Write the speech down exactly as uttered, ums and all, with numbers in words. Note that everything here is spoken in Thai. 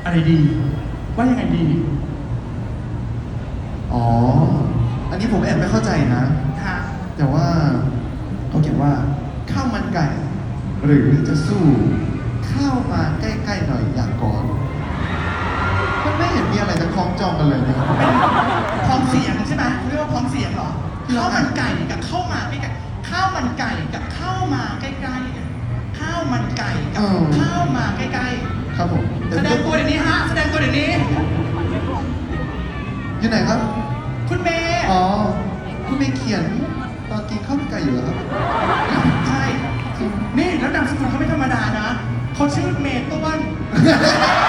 อะไรดี ว่ายังไงดีอ๋อ อันนี้ผมแอบไม่เข้าใจนะค่ะแต่ว่าเขาเขียนว่าข้าวมันไก่ หรือจะสู้ข้าวมาใกล้ๆหน่อยอย่างก่อน มันไม่เห็นมีอะไรจะคล้องจองกันเลยนะครับเป็นพ้องเสียงใช่ไหมเรียกว่าพ้องเสียงเหรอที่เราข้าวมันไก่กับข้าวมาใกล้ๆข้าวมันไก่กับข้าวมาใกล้ๆข้าวมันไก่กับข้าวมาใกล้ครับผมๆแสดงตัวเดี๋ยวนี้ฮะแสดงตัวเดี๋ยวนี้อยู่ไหนครับคุณเมย์อ๋อ คุณไปเขียนตอนกินข้าวมันไก่อยู่เหรอครับใช่ นี่แล้วนามสกุลเขาไม่ธรรมดานะเขาชื่อเมย์ต้วน